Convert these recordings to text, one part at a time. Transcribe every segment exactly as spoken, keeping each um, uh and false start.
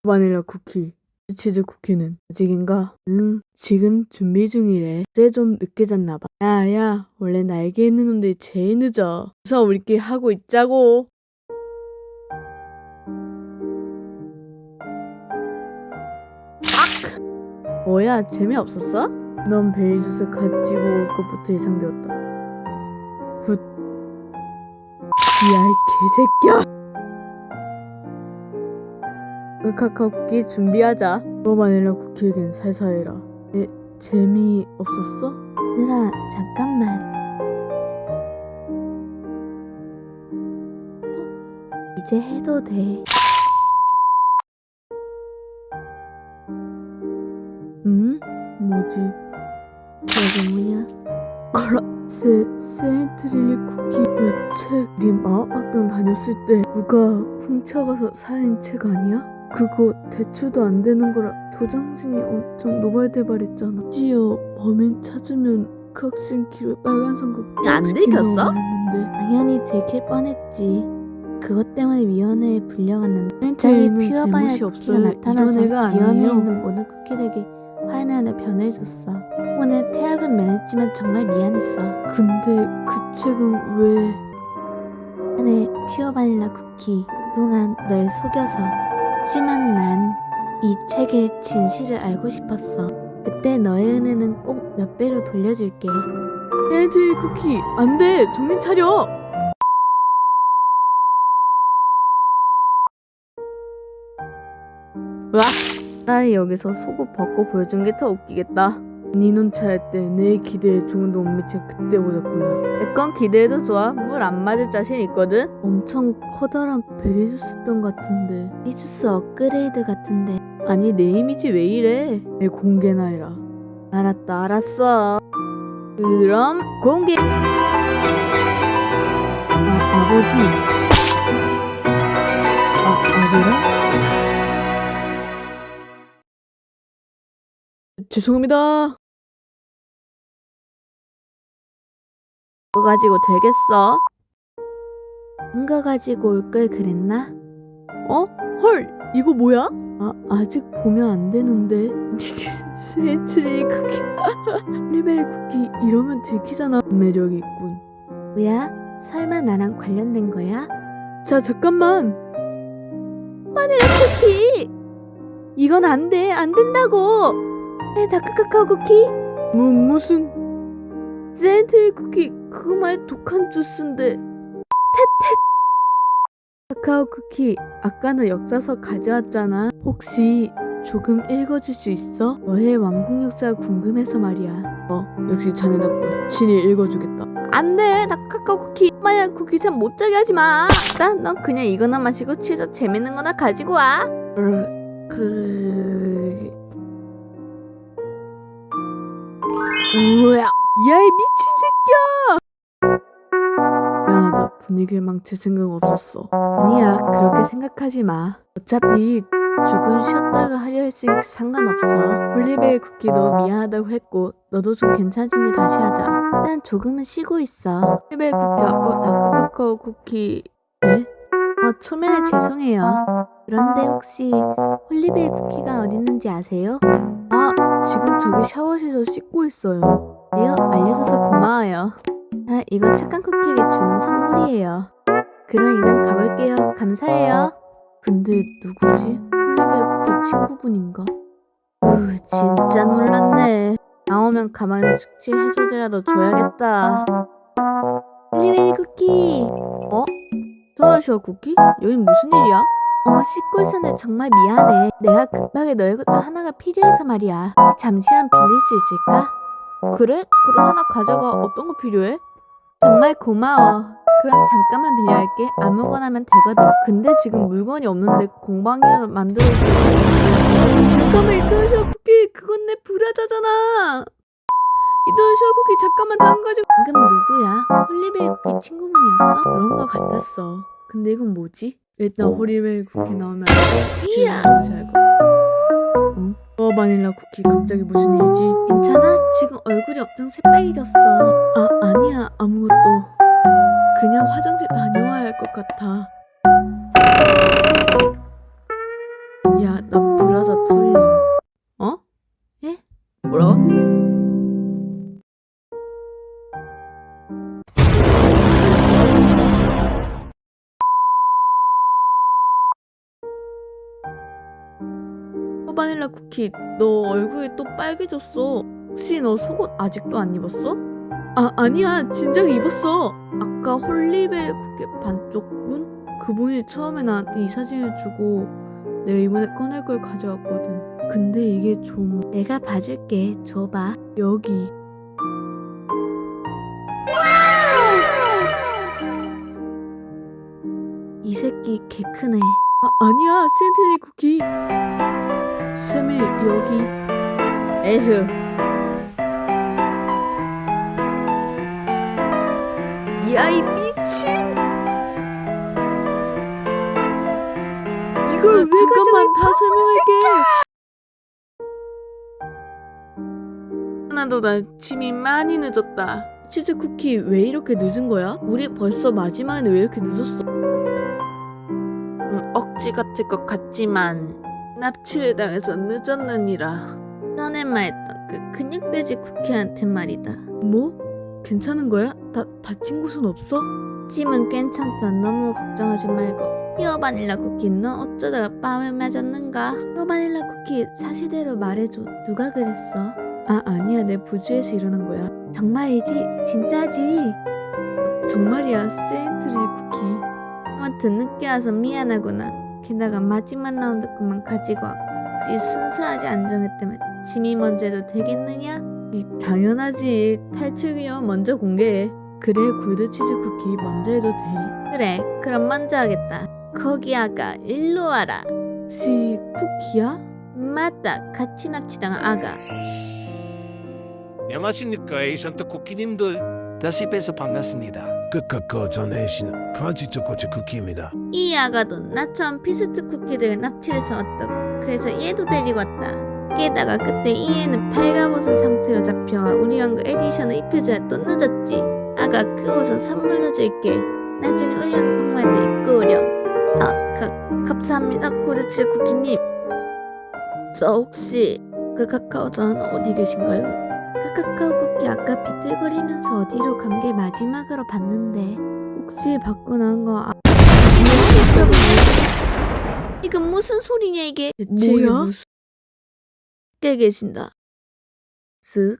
바닐라 쿠키. 치즈 쿠키는 아직인가? 응, 지금 준비 중이래. 어제 좀 늦게 잤나봐. 야야, 원래 날개 있는 놈들이 제일 늦어. 우선 우리끼리 하고 있자고. 악! 뭐야, 재미없었어? 넌 베리 주스 가지고 올 것부터 예상되었다. 굿. 야, 이 개새끼야. 그 카카오 쿠키 준비하자. 너 바닐라 쿠키에겐 살살해라. 에, 재미없었어? 얘들아, 잠깐만. 어? 이제 해도 돼. 응? 뭐지? 이게 뭐냐? 거라, 세, 세인트릴리 쿠키 그 책, 우리 마법학당 다녔을 때 누가 훔쳐가서 사인 책 아니야? 그거 대출도 안 되는 거라 교장선생님이 엄청 노발대발했잖아. 심지어 범인 찾으면 그 학생 기록에 빨간 선거 안 들켰어? 당연히 들킬 뻔했지. 그것 때문에 위원회에 불려갔는데 갑자기 갑자기 퓨어 퓨어 바닐라 바닐라 쿠키가 쿠키가 나타나서 나타나서 위원회에 위원회에 있는 있는 모든 쿠키들에게 화내는 변해줬어. 오늘 퇴학은 면했지만 정말 미안했어. 근데 그 책은 왜? 안에 퓨어 바닐라 쿠키 그동안 널 속여서. 하지만 난 이 책의 진실을 알고 싶었어. 그때 너의 은혜는 꼭 몇 배로 돌려줄게. 세인트릴리 쿠키, 안 돼! 정신 차려! 으악! 차라리 여기서 속옷 벗고 보여준 게 더 웃기겠다. 네 눈 차릴 때 내 기대에 조금도 못 미친 그때 보셨구나. 내 건 기대해도 좋아. 물 안 맞을 자신 있거든. 엄청 커다란 베리주스병 같은데. 베리주스 업그레이드 같은데. 아니, 내 이미지 왜 이래? 내 공개나 해라. 알았다, 알았어. 그럼 공개. 아, 아버지. 아, 아들아? 죄송합니다. 그거 가지고 되겠어? 그거 가지고 올 걸 그랬나? 어? 헐! 이거 뭐야? 아, 아직 보면 안 되는데. 세인트릴리 쿠키. 리베리 쿠키 이러면 들키잖아. 매력이 있군. 뭐야? 설마 나랑 관련된 거야? 자, 잠깐만. 바닐라 쿠키! 이건 안 돼. 안 된다고. 에, 다크 카카오 쿠키? 뭐, 무슨... 세인트릴리 쿠키 그거 말고 독한 주스인데. 테테. 카카오 쿠키 아까 너 역사서 가져왔잖아. 혹시 조금 읽어줄 수 있어? 너의 왕국 역사가 궁금해서 말이야. 어, 역시 자네 덕분 친히 읽어주겠다. 안돼, 나 카카오 쿠키 만약 쿠키 참 못자게 하지마. 일단 넌 그냥 이거나 마시고 취해서 재밌는 거나 가지고 와. 그... 그... 우야, 야이 미친 새끼야! 미안하다, 분위기를 망칠 생각 없었어. 아니야, 그렇게 생각하지 마. 어차피 조금 쉬었다가 하려 했으니 상관없어. 홀리베리 쿠키도 미안하다고 했고 너도 좀 괜찮으니 다시 하자. 난 조금은 쉬고 있어. 홀리베리 쿠키, 어, 다크카카오 쿠키... 네? 어, 초면에 죄송해요. 그런데 혹시 홀리베리 쿠키가 어딨는지 아세요? 아, 지금 저기 샤워실에서 씻고 있어요. 네요? 알려줘서 고마워요. 아, 이거 착한 쿠키에게 주는 선물이에요. 그럼 이만 가볼게요. 감사해요. 근데 누구지? 홀리베리 쿠키 친구분인가? 으, 진짜 놀랐네. 나오면 가만히 숙취 해소제라도 줘야겠다. 홀리베리 쿠키. 어? 터널쇼 쿠키? 여긴 무슨 일이야? 어, 씻고 있었는데 정말 미안해. 내가 급하게 너의 것 중 하나가 필요해서 말이야. 잠시만 빌릴 수 있을까? 그래? 그럼 하나 가져가. 어떤 거 필요해? 정말 고마워. 그럼 잠깐만 빌려할게. 아무거나면 되거든. 근데 지금 물건이 없는데 공방이라도 만들어줘. 잠깐만, 이터널쇼 쿠키. 그건 내 브라자잖아. 이터널쇼 쿠키 잠깐만 다른 가지고. 방금 누구야? 홀리베리 쿠키 친구분이었어? 그런 거 같았어. 근데 이건 뭐지? 일단 홀리베리 쿠키 나오면 이야! 응? 어, 바닐라 쿠키 갑자기 무슨 일이지? 괜찮아? 지금 얼굴이 엄청 새빨개졌어. 아, 아니야, 아무것도. 그냥 화장실 다녀와야 할 것 같아. 야, 나 브라자 털림. 어? 예? 뭐라고? 어, 바닐라 쿠키, 너 얼굴이 또 빨개졌어. 혹시 너 속옷 아직도 안 입었어? 아, 아니야. 진작에 입었어. 아까 홀리베리 쿠키 반쪽 분? 그분이 처음에 나한테 이 사진을 주고 내가 이번에 꺼낼 걸 가져왔거든. 근데 이게 좀... 내가 봐줄게. 줘봐. 여기. 이 새끼 개 크네. 아, 아니야. 센트리 쿠키. 쌤이 여기. 에휴. 야이 미친! 이걸 왜 잠깐만 다 설명할게. 하나도 나 짐이 많이 늦었다. 치즈 쿠키 왜 이렇게 늦은 거야? 우리 벌써 마지막인데 왜 이렇게 늦었어? 음, 억지 같을 것 같지만 납치를 당해서 늦었느니라. 전에 말했던 그 근육돼지 쿠키한테 말이다. 뭐? 괜찮은 거야? 다, 다친 곳은 없어? 짐은 괜찮다. 너무 걱정하지 말고. 히어 바닐라 쿠키, 너 어쩌다가 뺨을 맞았는가? 히어 바닐라 쿠키, 사실대로 말해줘. 누가 그랬어? 아, 아니야. 내 부주에서 일어난 거야. 정말이지? 진짜지? 정말이야. 세인트리 쿠키. 아무튼 늦게 와서 미안하구나. 게다가 마지막 라운드 것만 가지고 왔고. 혹시 순수하지 안정했다면 짐이 먼저 해도 되겠느냐? 이, 당연하지. 탈출 기념 먼저 공개해. 그래, 골드치즈 쿠키 먼저 해도 돼. 그래, 그럼 먼저 하겠다. 거기 아가, 일로 와라. 시, 쿠키야? 맞다, 같이 납치당한 아가. 안녕하십니까, 에이션트 쿠키님들. 다시 뵈서 반갑습니다. 끝끝거 전해신 크런치 초코치 쿠키입니다. 이 아가도 나처럼 피스트 쿠키들 납치해서 왔다고. 그래서 얘도 데리고 왔다. 게다가 그때 이 애는 발가벗은 상태로 잡혀와 우리 왕국 에디션을 입혀줘야 또 늦었지. 아가 그 옷을 선물로 줄게. 나중에 우리 왕국 복무할 때 입고 오렴. 아, 가, 감사합니다, 고드치 쿠키님. 저 혹시 그 카카오전 어디 계신가요? 그 카카오 쿠키 아까 비틀거리면서 어디로 간 게 마지막으로 봤는데 혹시 받고 나온 거 아... 이건 무슨 소리냐 이게? 뭐야? 무슨... 깨 계신다. 쓱.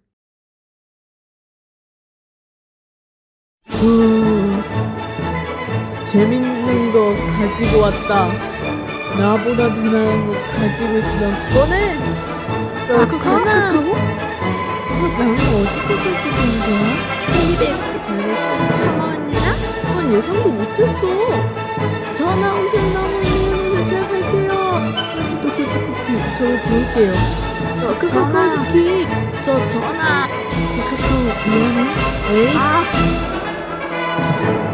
음, 재밌는 거 가지고 왔다. 나보다 더 나은 거 가지고 있으면 꺼내. 너 전화. 나는 어디서 가지고 있는 거야? 텔리베이크 전에 술 처먹었냐? 난 예상도 못했어. 전화 오셔서 너무 미안해서 잘 갈게요. 같이 도끼치 쿠키 저 부를게요. 어, 그 카카오 쿠키 저 전화. 그 카카오 미안해. 에이. 아.